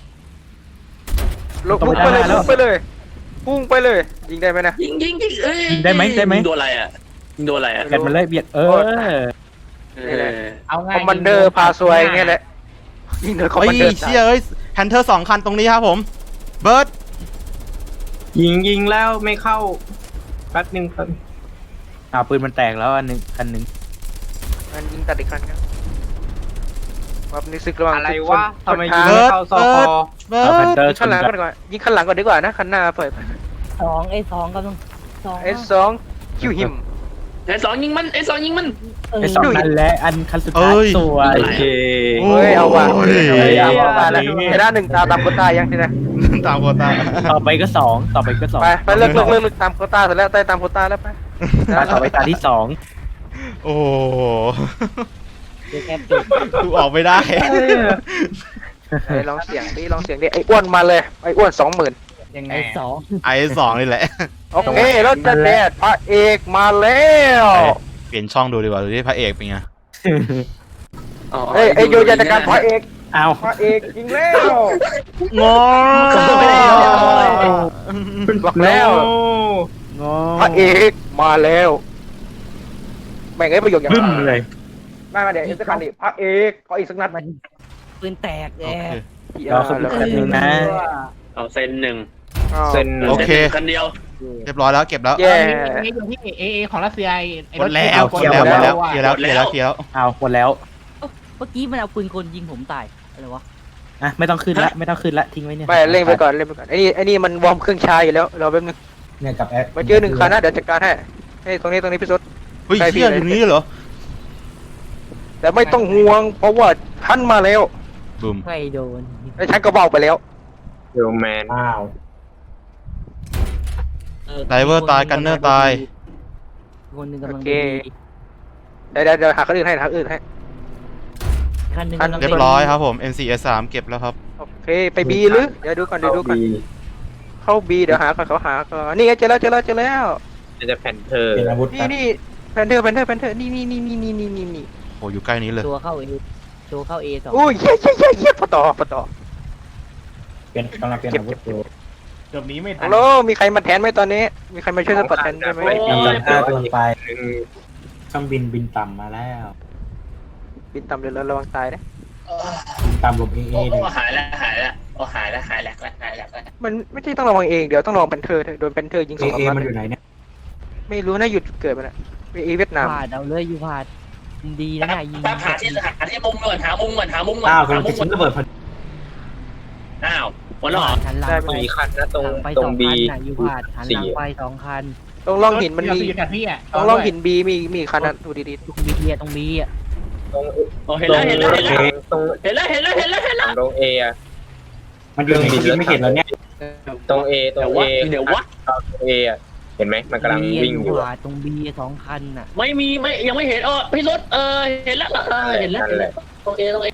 [SPEAKER 2] ลงพุ่งไปเลย
[SPEAKER 6] แล้ว
[SPEAKER 2] พุ่งไปเลยพุ่งไปเลยยิงได้ไหมนะ
[SPEAKER 5] ยิงยิงยิงเอ้ย
[SPEAKER 6] ยิงได้ไหมได้ไหม
[SPEAKER 5] ยิงโดนอะไรอ่ะยิงโดนอะไรอ่ะ
[SPEAKER 6] แกนมันเลยเบียดเออ
[SPEAKER 5] เออ
[SPEAKER 6] เอาง่า
[SPEAKER 2] คอย มบันเดอร์พาซวยไงแหละยิงโดนคอม
[SPEAKER 3] เฮ้
[SPEAKER 2] บันเดอย ร์
[SPEAKER 3] เชี่ยเอ้ยแพนเทอร์สองคันตรงนี้ครับผมเบิร์ด
[SPEAKER 4] ยิงยิงแล้วไม่เข้าแป๊บนึงครับ
[SPEAKER 6] อ่าปืนมันแตกแล้วอันหนึ่งอันหนึ่ง
[SPEAKER 2] มันยิงตัดอีกครั้งครับว่านี่ซึกระหว่าง
[SPEAKER 4] อะไร
[SPEAKER 2] ซึก
[SPEAKER 4] วะ
[SPEAKER 2] ชน
[SPEAKER 4] ทำไม
[SPEAKER 2] ช
[SPEAKER 4] ยิง
[SPEAKER 2] น
[SPEAKER 4] ไม่
[SPEAKER 2] ทาง
[SPEAKER 4] เข้าซอคอ
[SPEAKER 3] เบิ
[SPEAKER 6] เอาแพน
[SPEAKER 3] ร์ด
[SPEAKER 6] เตอร์
[SPEAKER 2] ยิงข้างหลังก่อนดีกว่ายิงข้างหลังก่อนดีกว่านะคันหน้าเปิด
[SPEAKER 7] สองไอ้สองกำลังสอง
[SPEAKER 2] เอสสองคิวหิม
[SPEAKER 5] เอสองยิงมันเอสองยิงมัน
[SPEAKER 7] เออ
[SPEAKER 6] ไอ้สองนั่นแหละอันคันสุดท้ายสวย
[SPEAKER 4] โอเค
[SPEAKER 2] เฮ้ยเอาว่ะ
[SPEAKER 3] โอ้
[SPEAKER 2] เฮ้ยเอาว่ะ
[SPEAKER 6] เอาว่ะ
[SPEAKER 2] แล้วชนะหนึ่งตาตามโควต้ายังทีนะ
[SPEAKER 3] ตามโควต้า
[SPEAKER 6] ต่อไปก็สองต่อไปก็สอง
[SPEAKER 2] ไปไปเลิกเลิกเลิกเลิกตามโควต้าเสร็จแล้วได้ตามโควต้าแล้วไป
[SPEAKER 6] ต่อไปตาที่สอง
[SPEAKER 3] โอ้โห
[SPEAKER 7] แค่จุด
[SPEAKER 3] กูออกไม่ได้
[SPEAKER 2] ไอ้ลองเสียงดิลองเสียงดิไอ้อ้วนมาเลยไอ้อ้วนสองหมื่น
[SPEAKER 6] ยังไง
[SPEAKER 7] ไอ้สอง
[SPEAKER 3] ไอสองนี่แหละ
[SPEAKER 2] โอเครถจะแดดพระเอกมาแล้ว
[SPEAKER 3] เปลี่ยนช่องดูดีกว่าดูที่พระเอกเป็นไง
[SPEAKER 2] เฮ้ยไอ้โยจะจัดการพระเอก
[SPEAKER 6] เอา
[SPEAKER 2] พระเอกยิงแล้ว
[SPEAKER 3] งอ
[SPEAKER 2] บอกแล้ว
[SPEAKER 6] งอ
[SPEAKER 2] พระเอกมาแล้วแม่งไอ้ประโยคอย่าง
[SPEAKER 6] บึ้มเลย
[SPEAKER 2] ไม่มาเดี๋ยวจะการดิพระเอกขออีกสักนัด
[SPEAKER 7] มันปืนแตกแก
[SPEAKER 6] รอสักแป๊บนึงนะ
[SPEAKER 5] เอาเซนหนึ่ง
[SPEAKER 4] เส้น
[SPEAKER 3] โอเค
[SPEAKER 5] กันเดียว
[SPEAKER 3] เรียบร้อยแล้วเก็บแล้ว
[SPEAKER 2] แย่
[SPEAKER 6] นี่อยู่ที่เอเอของรัสเซียไอ้
[SPEAKER 3] หม
[SPEAKER 6] ร
[SPEAKER 3] ด
[SPEAKER 6] ถ
[SPEAKER 3] แล้วหมดแล้วหมดแล้วเคลียร์แล้วเคลียร์แล้วเคลียร์แล้ว
[SPEAKER 6] เอาหมดแล้ว
[SPEAKER 7] เมื่อกี้มันเอาปืนกลยิงผมตายอะไรวะ
[SPEAKER 6] อ่ะไม่ต้องขึ้นละไม่ต้องขึ้นละทิ้งไว้เนี่ย
[SPEAKER 2] ไม่เล่นไปก่อนเล่นไปก่อนไอ้นี่ไอ้นี่มันวอร์มเครื่องชาอยู่แล้วรอแป๊บนึง
[SPEAKER 6] เนี่ยกับแอด
[SPEAKER 2] มาเจอหนึ่งคันนะเดี๋ยวจัดการให้ให้ตรงนี้ตรงนี้พี่สุด
[SPEAKER 3] เฮ้ย
[SPEAKER 2] ใช่พี่
[SPEAKER 3] เชี่ยอยู่นี่เหรอ
[SPEAKER 2] แต่ไม่ต้องห่วงเพราะว่าท่านมาแล้ว
[SPEAKER 3] บึม
[SPEAKER 7] ไม่โดน
[SPEAKER 2] ไอ้ฉันก็บอกไปแล้ว
[SPEAKER 4] เดลแมน
[SPEAKER 6] อ้าว
[SPEAKER 3] ไดเวอร์ตายกันเนอร์ตาย
[SPEAKER 7] คนหนึ่งกำลัง
[SPEAKER 2] โอเค
[SPEAKER 7] ดี
[SPEAKER 2] เดี๋ยวเดี๋ยวเดี๋ยวหาคนอื่นให้หาคนอื่นให้
[SPEAKER 7] คันหนึ่ง
[SPEAKER 2] คัน
[SPEAKER 7] กำลัง
[SPEAKER 3] เรียบร้อยครับผม เอ็ม ซี เอส สาม เก็บแล้วครับ
[SPEAKER 2] โอเคไปบีหรือเดี๋ยวดูก่อนเดี๋ยวดูก่อนเข้าบีเดี๋ยวหาก่อนเขาหาก่อนนี่ไงเจอแล้วเจอแล้วเจอแล้ว
[SPEAKER 4] มันจะแพนเทอร์
[SPEAKER 9] เป็นอาวุธ
[SPEAKER 2] นี่นี่แพนเทอร์แพนเทอร์แพนเทอร์นี่นี่นี่นี่นี่นี่นี่นี่
[SPEAKER 3] โอ้อยู่ใกล้นี้เลย
[SPEAKER 7] ตัวเข้าเอตัวเข้าเอสอง
[SPEAKER 2] โอ้ยเย้เย้เย้เย้ปะต่อปะต่อ
[SPEAKER 9] เป็นกำลังเป็นอาวุธอยู่
[SPEAKER 6] เกือบหนี้ไม่ทั
[SPEAKER 2] ฮั
[SPEAKER 6] น
[SPEAKER 2] ลโหลมีใครมาแทนไหมตอนนี้ มีใครมาช่วยสปอร์ตแทนได้ไหม
[SPEAKER 9] กำลังฆ่าตัวไปเครื่องบินบินต่ำมาแล้ว
[SPEAKER 2] บินต่ำเลยแล้วระวังตายนะ
[SPEAKER 9] บินต่ำลงเอเอ
[SPEAKER 5] โอ้
[SPEAKER 9] เลย
[SPEAKER 5] หายแล้วหายแล้วโอ้หายแล้วหายแล้วหายแล้ว
[SPEAKER 2] มันไม่ใช่ต้องระวังเองเดี๋ยวต้องระวังแพนเทอร์โดนแพนเทอร์ยิง
[SPEAKER 9] เอ
[SPEAKER 2] สอง
[SPEAKER 9] เอ
[SPEAKER 2] นัด
[SPEAKER 9] มันอยู่ไหนเนี่ย
[SPEAKER 2] ไม่รู้นะหยุดเกิดมันอะเอเวียดนาม
[SPEAKER 7] พาดเอาเลยอยู่พาดดีนะเนี่ยยิง
[SPEAKER 5] แป๊บหาที่หาที่มุมก่อนหามุมก่อนหามุมก่อน
[SPEAKER 9] อ้าว
[SPEAKER 5] หาก
[SPEAKER 9] ำลัง
[SPEAKER 5] มุ
[SPEAKER 9] จะ
[SPEAKER 5] มก่
[SPEAKER 9] ชิ้
[SPEAKER 5] อน
[SPEAKER 9] นระเบิดพอดี
[SPEAKER 5] อ้าวหมดแล้วเหรอ
[SPEAKER 7] หันหลังไป
[SPEAKER 4] มีคันนะตรง
[SPEAKER 7] หันไป
[SPEAKER 4] ตร
[SPEAKER 7] สอง ง
[SPEAKER 4] บี
[SPEAKER 7] คันน่ะอยู่พาดหันหลังไปสองคัน
[SPEAKER 2] ตรงร่องหินมันมี
[SPEAKER 6] เดี๋ยวอยู่กับพี่อ่ะ
[SPEAKER 2] ตรงร่องหินบีมีมีคันนั้นดูดี
[SPEAKER 7] ตรงบีอะตรงบีอะ
[SPEAKER 4] ตรง
[SPEAKER 5] โอ้เห็นแล้วเห็นแล้วเห็นแล้ว
[SPEAKER 4] ตรง
[SPEAKER 5] เห็นแล้วเห็นแล้วเห็นแล้วเห็นแล้ว
[SPEAKER 4] ตรงเออะ
[SPEAKER 9] มันอยู่ไหนที่ไม่เห็นแล้วเนี่ย
[SPEAKER 4] ตรงเอตร
[SPEAKER 5] เดี๋ย
[SPEAKER 4] ง
[SPEAKER 5] ว
[SPEAKER 4] เอ
[SPEAKER 5] วะเดี๋ยววะ
[SPEAKER 4] ตรงเออะเห็นไหมมันกำลัง
[SPEAKER 7] บี
[SPEAKER 4] วิ่ง
[SPEAKER 7] อ
[SPEAKER 4] อยู่ ยู่
[SPEAKER 7] พาดตรงบีสองคันน่ะ
[SPEAKER 5] ไม่มีไม่ยังไม่เห็นเออพี่รถเออเห็นแล้วเออเห็นแล้วเห็นแล้วโอเคโอเค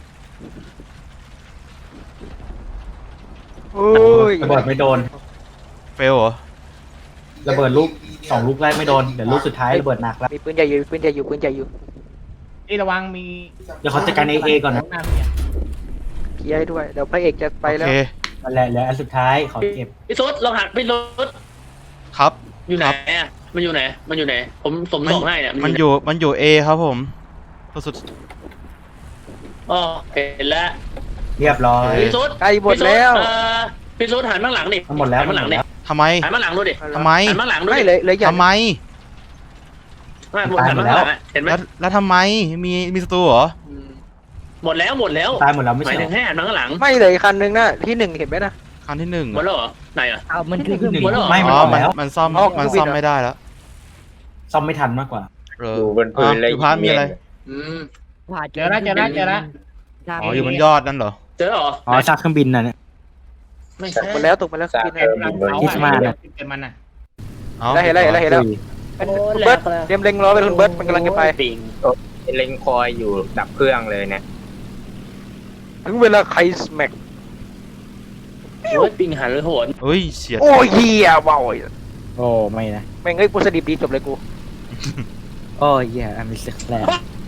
[SPEAKER 2] ๆโอ้ย
[SPEAKER 9] ระเบิดไม่โดน
[SPEAKER 3] เฟลเหรอ
[SPEAKER 9] ระเบิดลูกสองลูกแรกไม่โดนเดี๋ยวลูกสุดท้ายระเบิดหนักแล้ว
[SPEAKER 2] มีปืนใหญ่อยู่ปืนใหญ่อยู่ปืนใหญ่อยู่
[SPEAKER 6] นี่ระวังมี
[SPEAKER 9] เดี๋ยวเขาจัดการเอเอก่อนนะ
[SPEAKER 6] หน้าพี่อะ
[SPEAKER 2] เคลียร์ให้ด้วยเดี๋ยวพระเอกจะไป
[SPEAKER 3] โอ
[SPEAKER 2] แล้ว
[SPEAKER 3] เค
[SPEAKER 9] นั่นแหละแล้วอันสุดท้ายขอเก็บ
[SPEAKER 5] พี่รถลองหักพี่รถ
[SPEAKER 3] ครับ
[SPEAKER 5] อยู่ไหนอ่ะมันอยู่ไหนมันอยู่ไหนผมผมส่งให้เนี่ย
[SPEAKER 3] มันอยู่ มันอยู่ A ครับผมสุด
[SPEAKER 5] อ๋อเห็นแล้ว
[SPEAKER 9] เรียบร้อย
[SPEAKER 5] พี่รถ
[SPEAKER 2] ใกล้หมดแล้ว
[SPEAKER 5] เออพี่รถหันมาหลังดิ
[SPEAKER 9] มันหมดแล้ว
[SPEAKER 5] หัน
[SPEAKER 9] มัน
[SPEAKER 5] มา
[SPEAKER 9] ห
[SPEAKER 5] ห
[SPEAKER 9] ม
[SPEAKER 5] ลังดิ
[SPEAKER 9] ดแล้ว
[SPEAKER 3] ทำไม
[SPEAKER 5] หันมาหลังดูดิ
[SPEAKER 3] ทำไม
[SPEAKER 5] หันมาหลังดู
[SPEAKER 2] ไม่
[SPEAKER 5] ดิ
[SPEAKER 2] เลยเลยอย่า
[SPEAKER 3] ทำไม
[SPEAKER 5] ไม่หมดหันมาหลังอะเห็นไหม
[SPEAKER 3] แล้ว แล้วทำไม มี มีศัตรูเหรอ
[SPEAKER 5] อืมหมดแล้วหมดแล้ว
[SPEAKER 9] ตายหมดแล้วไม่
[SPEAKER 5] หมาย
[SPEAKER 9] ใช่
[SPEAKER 5] ถึงให้หันมาข้างหลัง
[SPEAKER 2] ไม่เลยคันนึงนะที่หนึ่งเห็นไหมนะ
[SPEAKER 3] คันที่หนึ่ง
[SPEAKER 5] หมดแล้วเหรอไหนอ่ะ
[SPEAKER 7] เอามันคือเครื่องบิน
[SPEAKER 5] หมดแล้วเหรอ
[SPEAKER 9] ไม่มัน
[SPEAKER 3] อ๋
[SPEAKER 9] อ
[SPEAKER 3] อ
[SPEAKER 9] อก
[SPEAKER 3] มัน
[SPEAKER 9] แล้ว
[SPEAKER 3] มันซ่อม
[SPEAKER 2] อ๋อ
[SPEAKER 3] มัน
[SPEAKER 2] เครื่องบิน
[SPEAKER 3] ซ่อม
[SPEAKER 2] เหรอ
[SPEAKER 3] ไม่ได้แล้ว
[SPEAKER 9] ซ่อมไม่ทันมากกว่า
[SPEAKER 3] เออ
[SPEAKER 4] อยู่บนพื้น
[SPEAKER 3] อ่ะ
[SPEAKER 4] เลย
[SPEAKER 3] อยู่พาร์ทมีอะไร
[SPEAKER 5] อืม
[SPEAKER 7] พาด
[SPEAKER 6] เจอแล้วเจอแล้วเจอแล้ว
[SPEAKER 3] อ๋อ อยู่บนยอดนั่นเหรอ
[SPEAKER 5] เจอเหรอ
[SPEAKER 9] อ๋อซากเครื่องบินน่ะเนี่ย
[SPEAKER 5] ไม่
[SPEAKER 2] ต
[SPEAKER 5] ใช่
[SPEAKER 2] กไปแล้วตกไปแล้ว
[SPEAKER 4] ซาก
[SPEAKER 2] บิน
[SPEAKER 4] เออบินบน
[SPEAKER 9] คริสต์มาสน่ะ
[SPEAKER 6] เป็นมันอ่ะ
[SPEAKER 3] เอา
[SPEAKER 2] ได้เห็นแล้วเห็นแล้วเห็นแล้ว
[SPEAKER 9] อุ้ย
[SPEAKER 2] เป็นคุณเบิร์ตเตรียมเล็งรอเลยคุณเบิร์ตมันกำลังจะไป
[SPEAKER 5] ปิง
[SPEAKER 4] เล็งคอยอยู่ดับเครื่องเลยเนี่ย
[SPEAKER 2] ถึงเวลาไคสแม็ก
[SPEAKER 5] โอ้ยปิงหันเลยโหน
[SPEAKER 3] เฮ้ยเฉียด
[SPEAKER 2] โอ้ยเฮียว้าว
[SPEAKER 9] โอ้ไม่นะ
[SPEAKER 2] แม่งเอ้ยกูสดิบดีจบเลยกู
[SPEAKER 9] โอ้ยแย่อันนี้สึกแล้ว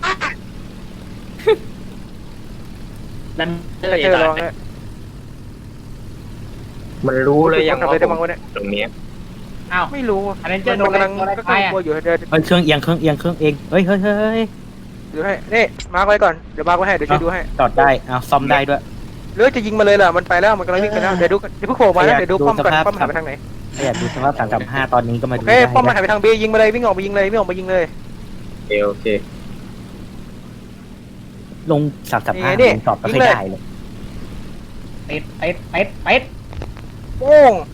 [SPEAKER 5] นั่นเอ
[SPEAKER 2] ไม่
[SPEAKER 5] อ
[SPEAKER 2] เจอลองเลย
[SPEAKER 4] มันรู้เลยยัง
[SPEAKER 2] ทำอะไรได้บ้างวะเนี่ย
[SPEAKER 4] ตรงเนี้ย
[SPEAKER 6] อ้าว
[SPEAKER 2] ไม่รู้อะ
[SPEAKER 6] อันนั้นเจ
[SPEAKER 2] มั
[SPEAKER 6] อน โดน
[SPEAKER 2] กำลัง
[SPEAKER 6] อะไร
[SPEAKER 2] ก็
[SPEAKER 6] ไป
[SPEAKER 2] กลัว
[SPEAKER 6] อ่ะ
[SPEAKER 2] อยู่เดี๋ยว
[SPEAKER 9] เฮ้ยเครื่องเอียงเครื่องเอียงเครื่องเองเฮ้ยเฮ้ยเฮ้ย
[SPEAKER 2] ดูให้นี่มาร์กไว้ก่อนเดี๋ยวมาร์กไว้ให้เดี๋ยวช่วยดูให้
[SPEAKER 9] จอดได้เอาซ่อมได้ด้วย
[SPEAKER 2] หรือจะยิงมาเลยล่ะมันไปแล้วมันกำลังวิ่งไปแล้วเดี๋ยวดูเดี๋ยวเพิ่งโผล่มานะเดี๋ยวดูป้อมก่อนป้อมหันไปทางไหน
[SPEAKER 9] ถ้าอยากดูสภาพสามกับห้าตอนนี้ก็มา
[SPEAKER 2] โอ
[SPEAKER 9] ดู
[SPEAKER 2] เค
[SPEAKER 9] ได้
[SPEAKER 2] ป้อมมันหั
[SPEAKER 9] นะ
[SPEAKER 2] นไปทางบียิงมาเลยวิ่งออกมายิงเลยวิ่งออกมายิงเลย
[SPEAKER 4] โอเคโอเค
[SPEAKER 9] ลงสามกับห้า
[SPEAKER 2] นี่
[SPEAKER 9] ลงตอบไม่
[SPEAKER 2] ยิ
[SPEAKER 9] ค่อง ย
[SPEAKER 2] เลย
[SPEAKER 9] ได้เลย
[SPEAKER 6] เป็ดเป็ดเป็ดเป็ด
[SPEAKER 2] โป้ง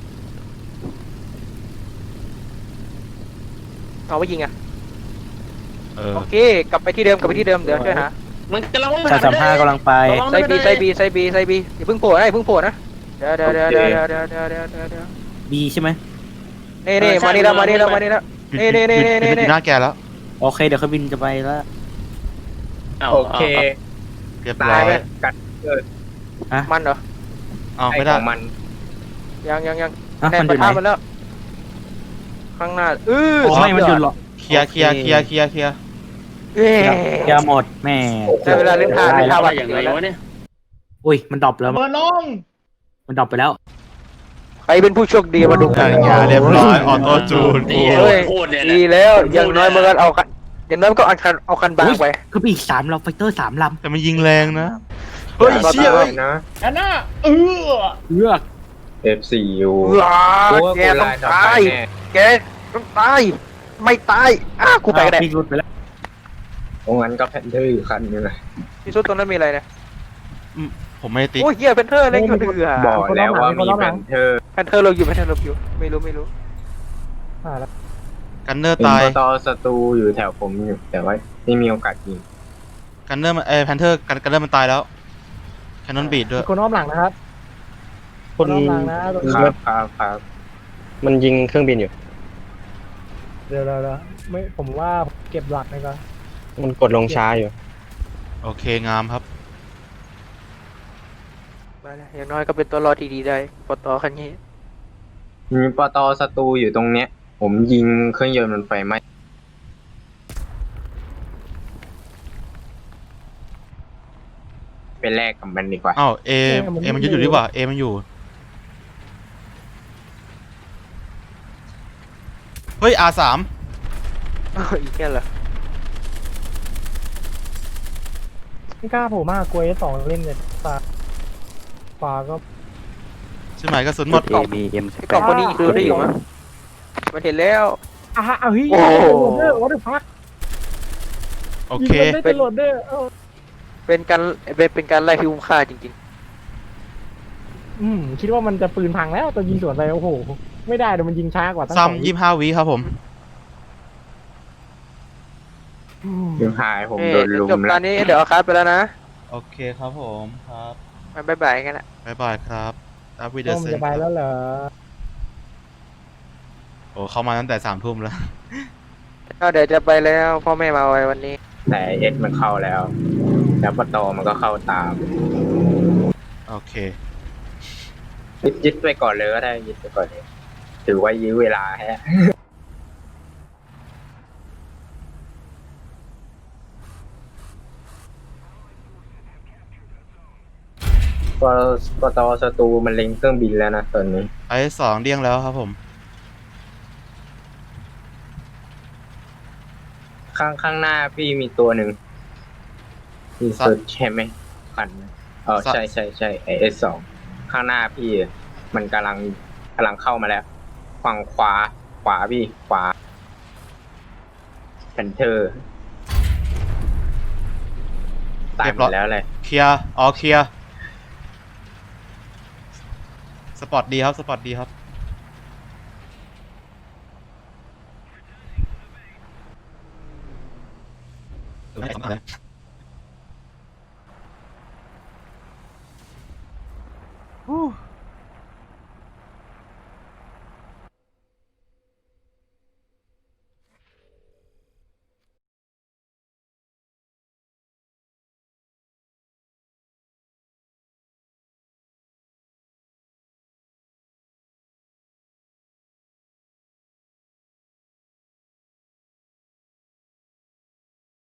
[SPEAKER 2] เอาไว้ยิงอ่ะ
[SPEAKER 3] เออ
[SPEAKER 2] โอเคกลับไปที่เดิมกลับไปที่เดิมเดี๋ยวช่วยหา
[SPEAKER 5] มันกำลัง
[SPEAKER 9] สามกับห้ากำลังไป
[SPEAKER 2] ไซบีไซบีไซบีไซบีอย่าเพิ่งโผล่นะอย่าเพิ่งโผล่นะเดี๋ยวเดี๋ยวเดี๋ยวเดี๋ยวเดี๋ยวเดี๋ยวเดี๋ยวเดี๋ยวเดี๋ยว
[SPEAKER 9] บีใช่ไหม
[SPEAKER 2] นี่นี่มานี่แล้วมานี่แล้วมานี่แล้ว
[SPEAKER 3] หยุด
[SPEAKER 2] นี่นี่
[SPEAKER 3] หยุด
[SPEAKER 2] นี่
[SPEAKER 3] หยุด
[SPEAKER 2] นี่
[SPEAKER 3] อยู่หน้าแกแล้ว
[SPEAKER 9] โอเคเดี๋ยวเครื่องบินจะไปแล้ว
[SPEAKER 4] โอเค
[SPEAKER 3] เรียบ
[SPEAKER 4] ตา
[SPEAKER 3] ร้อย ย
[SPEAKER 4] กัด
[SPEAKER 2] มันเหรอ
[SPEAKER 3] อ้าว
[SPEAKER 4] ไอ
[SPEAKER 3] ไม่
[SPEAKER 4] ข
[SPEAKER 3] ได้
[SPEAKER 4] องมัน
[SPEAKER 2] ยังยังยัง
[SPEAKER 9] อ่ะ
[SPEAKER 2] แดน
[SPEAKER 9] มันอ
[SPEAKER 2] ปะ
[SPEAKER 9] ยู่ไหน
[SPEAKER 2] ทะมันแล้วข้างหน้าเออ
[SPEAKER 9] โอ้ไม่มันอยู่หรอ
[SPEAKER 3] เคลียร์เคลียร์เคลียร์เคลียร์เคลียร์
[SPEAKER 2] เย้
[SPEAKER 9] เดี๋ยวหมดแม่
[SPEAKER 2] ได้เวลาเล่นท่า
[SPEAKER 9] ได้
[SPEAKER 2] เล่น
[SPEAKER 9] แล้
[SPEAKER 2] ท่าว วัด
[SPEAKER 5] อย่างไรวะเนี่ย
[SPEAKER 9] อุ้ยมันดรอปแล้ว
[SPEAKER 6] เบอร์ลง
[SPEAKER 9] มันดรอปไปแล้ว
[SPEAKER 2] ใครเป็นผู้โชคดีมาดูกั
[SPEAKER 3] นั่
[SPEAKER 2] น
[SPEAKER 3] นไงเรียบร้อยออโต้จูน
[SPEAKER 5] นี่
[SPEAKER 3] กู
[SPEAKER 2] เฮ้ย
[SPEAKER 5] โคตรเนี่ย
[SPEAKER 2] ดีแล้วอย่างน้อยมันก็เอาคันอย่างน้อยมันก็เอาคันเอาคันบางไป
[SPEAKER 9] คืออีกสามเราไฟเตอร์สามล
[SPEAKER 3] แต่มันยิงแรงนะ เฮ้ยเชี่ยเอ้ย
[SPEAKER 4] นะ
[SPEAKER 6] อันน่ะเออ
[SPEAKER 9] ำเลือก
[SPEAKER 4] เอฟซียู
[SPEAKER 2] ว้าแกต้องตายแกต้องตายไม่ตายอ้ากูไปก็ได้
[SPEAKER 9] พี่รุดไปแล้ว
[SPEAKER 4] ตรงนั้นก็แพนเทอร์อยู่คันนึงเลย
[SPEAKER 2] ที่สุดตรงนั้นมีอะไรเนี่ย
[SPEAKER 3] ผมไม่ได้ติ๊ก
[SPEAKER 2] โอ้ยเฮียเพนเทอร์เล่นอยู่เดือ
[SPEAKER 4] บอกแล้วว่ามีแพนเทอร์
[SPEAKER 2] แพนเทอร์เราอยู่แพนเทอร์เราอยู่ไม่รู้ไม่รู้
[SPEAKER 3] กันเนอร์
[SPEAKER 4] เป็น
[SPEAKER 3] ตาย
[SPEAKER 4] ปตศัตรูอยู่แถวผมอยู่แต่ว่าไม่มีโอกาสยิง
[SPEAKER 3] กันเนอร์มันเอแพนเทอร์กันกันเนอร์มันตายแล้วแคนนอนบีดด้วย
[SPEAKER 8] คนอ้อมหลังนะครับคนอ้อมหลังนะตรง
[SPEAKER 4] ค
[SPEAKER 8] นี้
[SPEAKER 4] รับครับครับ
[SPEAKER 9] มันยิงเครื่องบินอยู่
[SPEAKER 8] เดี๋ยวเดี๋ยวเดี๋ยวไม่ผมว่าเก็บหลักเลยก่อน
[SPEAKER 2] มันกดลงช้าอยู่
[SPEAKER 3] โอเคงามครับ
[SPEAKER 2] มาแล้วอย่างน้อยก็เป็นตัวรอดที่ดีได้ปตอคันนี้
[SPEAKER 4] มีปตศัตรูอยู่ตรงเนี้ย ผมยิงเครื่องยนต์มันไฟไหม้ไปแลกกับมันดีกว่า
[SPEAKER 3] อ้าวเอเอมันยึดอยู่ดีกว่าเอมันอยู่ เฮ้ย อาร์ สาม
[SPEAKER 2] อ้าวอีกแค่เหรอ
[SPEAKER 8] ไม่กล้าโผล่มากกลัวสองเล่นเนี่ยตาขวาก็
[SPEAKER 3] ใช่ไหมกระสุนหมด
[SPEAKER 2] ไอ้กล่องคนนี้คือได้อยู่มั้ยมันเห็นแล้ว
[SPEAKER 8] อ่ะเอาเฮ้ย
[SPEAKER 2] โอ้โห
[SPEAKER 8] โหลดเดอร์วอเตอร์พัก
[SPEAKER 3] โอเค
[SPEAKER 8] ได้เป็นโหลดเดอร์เออ
[SPEAKER 2] เป็นการเป็นเป็นการไล่ที่คุ้มค่าจริง
[SPEAKER 8] อืมคิดว่ามันจะปืนพังแล้วตอนยิงสวนไปโอ้โหไม่ได้เดี๋ยวมันยิงช้ากว่าตั้งสอง
[SPEAKER 3] ซ้ำยี่สิบห้าวิครับผม
[SPEAKER 8] อืม
[SPEAKER 4] ยังหายผ
[SPEAKER 2] ๆ
[SPEAKER 4] ม
[SPEAKER 2] เอ้ย
[SPEAKER 4] โดนลุม
[SPEAKER 2] จบ
[SPEAKER 4] แล้
[SPEAKER 2] ตอ
[SPEAKER 4] วน
[SPEAKER 2] นี้เดี๋ยวเอาคัสไปแล้วนะ
[SPEAKER 3] โอเคครับผมครับ
[SPEAKER 2] มันบ๊ายบายกันละ
[SPEAKER 3] บ๊ายบายครับอัพวิดี
[SPEAKER 8] ต้
[SPEAKER 3] โอ
[SPEAKER 8] ม
[SPEAKER 3] เซน
[SPEAKER 8] จะไปแล้วเหรอ
[SPEAKER 3] โอ้เข้ามาตั้งแต่สามทุ่มแล้ว
[SPEAKER 2] ก็เดี๋ยวจะไปแล้วพ่อแม่มาไว้วันนี้
[SPEAKER 4] แต่เอสมันเข้าแล้ว แล้วปตมันก็เข้าตาม
[SPEAKER 3] โอเค
[SPEAKER 4] ยึดยึดไปก่อนเลยก็ได้ยึดไปก่อนเลยถือว่ายื้อเวลาแฮะ ปปตศัตรูมันเล็งเครื่องบินแล้วนะตอนนี้
[SPEAKER 3] ไอสองเดี้ยงแล้วครับผม
[SPEAKER 4] ข้างข้างหน้าพี่มีตัวหนึ่งมี
[SPEAKER 3] สัตว์
[SPEAKER 4] สุดใช่ไหมขันไหมเออ
[SPEAKER 3] สัตว์
[SPEAKER 4] ใช่ใช่ใช่ไอเอสสองข้างหน้าพี่มันกำลังกำลังเข้ามาแล้ว ฝั่งขวา ขวาพี่ ขวาแพนเทอร์ตายหมดแล้วเลย
[SPEAKER 3] เคลียร์อ๋อเคลียร์สปอร์ตดีครับ สปอร์ตดีครับ